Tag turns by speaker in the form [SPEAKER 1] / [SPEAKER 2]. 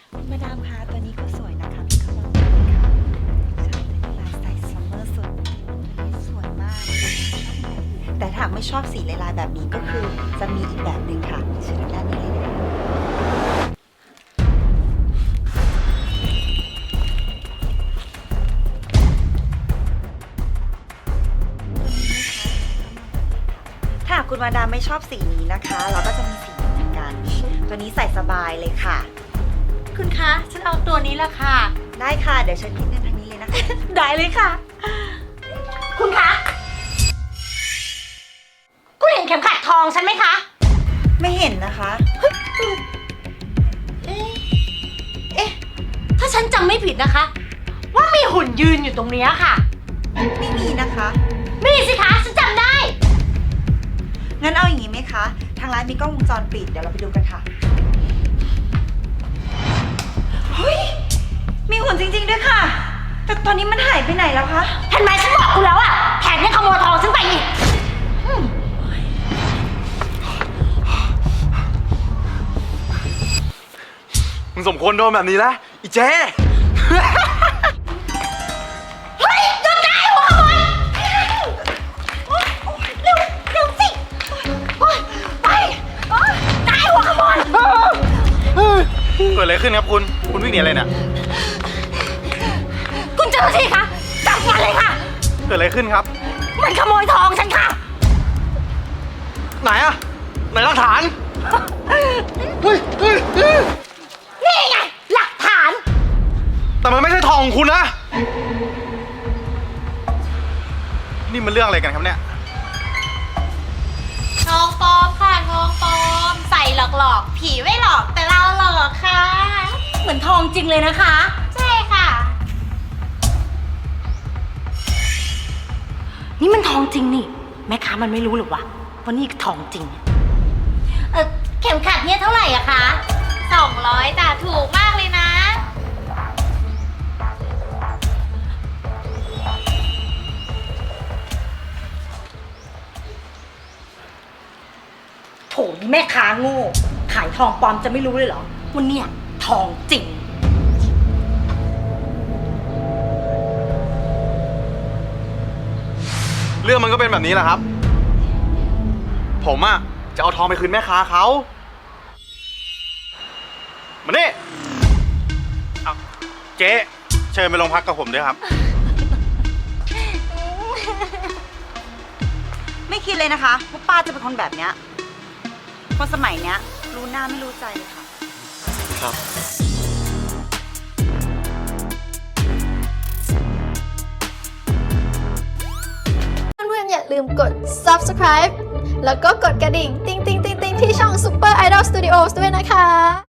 [SPEAKER 1] มาดามคะตัวนี้ก็สวยนะคะพี่เขาลองดูค่ะใช่ตัวนี้ลายใส่ซัมเมอร์สุดตัวนี้สวยมากแต่ถ้าไม่ชอบสีลายๆแบบนี้ก็คือจะมีอีกแบบหนึ่งค่ะเชิญด้านนี้เลยนะคะถ้าคุณมาดามไม่ชอบสีนี้นะคะ เราก็จะมีสีนี้เหมือนกัน ตัวนี้ใส่สบายเลยค่ะ
[SPEAKER 2] คุณคะฉันเอาตัวนี้ละค่ะ
[SPEAKER 1] ได้ค่ะ เดี๋ยวฉันคิดเงินทางนี้เลยนะคะ
[SPEAKER 2] ได้เลยค่ะ คุณคะคุณเห็นเข็มขัดทองฉันไหมคะ
[SPEAKER 1] ไม่เห็นนะคะ
[SPEAKER 2] เอ๊ะถ้าฉันจำไม่ผิดนะคะ ว่ามีหุ่นยืนอยู่ตรงนี้ค่ะ
[SPEAKER 1] ไม่มีนะคะ
[SPEAKER 2] มีสิคะฉันจำได้
[SPEAKER 1] งั้นเอาอย่างนี้ไหมคะ ทางร้านมีกล้องวงจรปิด เดี๋ยวเราไปดูกันค่ะ เฮ้ย มีหุ่นจริงๆด้วยค่ะ แต่ตอนนี้มันหายไปไหนแล้วคะ
[SPEAKER 2] เห็นไหมฉันบอกคุณแล้วอะแถมยังขโมยทองฉันไปอีก
[SPEAKER 3] มึงสมควรโดนแบบนี้แล้วอีเจ๊
[SPEAKER 2] เฮ้ยหยุดได้หัวขโมยเร็วเร็วสิโอ๊ยไปโอ๊ยได้หัวขโมย
[SPEAKER 3] เกิดอะไรขึ้นครับคุณวิ่งหนีอะไรเนี่ย
[SPEAKER 2] คุณเจ้าหน้าที่คะจับมันเลยค่ะ
[SPEAKER 3] เกิดอะไรขึ้นครับ
[SPEAKER 2] มันขโมยทองฉันค่ะ
[SPEAKER 3] ไหนอะไหนหลักฐานเฮ้ย
[SPEAKER 2] นี่ไงหลักฐาน
[SPEAKER 3] แต่มันไม่ใช่ทองของคุณนะ นี่มันเรื่องอะไรกันครับเนี่ย
[SPEAKER 2] ทองปลอมค่ะทองปลอมใส่หลอกๆผีไม่หลอกแต่เราหลอกค่ะ เหมือนทองจริงเลยนะคะ ใช่ค่ะ นี่มันทองจริงนี่แม่ค้ามันไม่รู้หรอวะว่านี่ทองจริงเข็มขัดเนี่ยเท่าไหร่อะคะ200แต่ถูกมากเลยนะโถนี่แม่ค้าโง่ขายทองปลอมจะไม่รู้เลยเหรอว่าเนี่ยทองจริง
[SPEAKER 3] เรื่องมันก็เป็นแบบนี้แหละครับ ผมอะจะเอาทองไปคืนแม่ค้าเขามานี่เอาเจ๊เชิญไปโรงพักกับผมด้วยครับ
[SPEAKER 1] ไม่คิดเลยนะคะว่าป้าจะเป็นคนแบบเนี้ยคนสมัยเนี้ยรู้หน้าไม่รู้ใจเลยค่ะ
[SPEAKER 3] ครับ
[SPEAKER 4] เพื่อนๆอย่าลืมกด subscribe แล้วก็กดกระดิ่ง ติ๊งๆๆๆที่ช่อง Super Idol Studios ด้วยนะคะ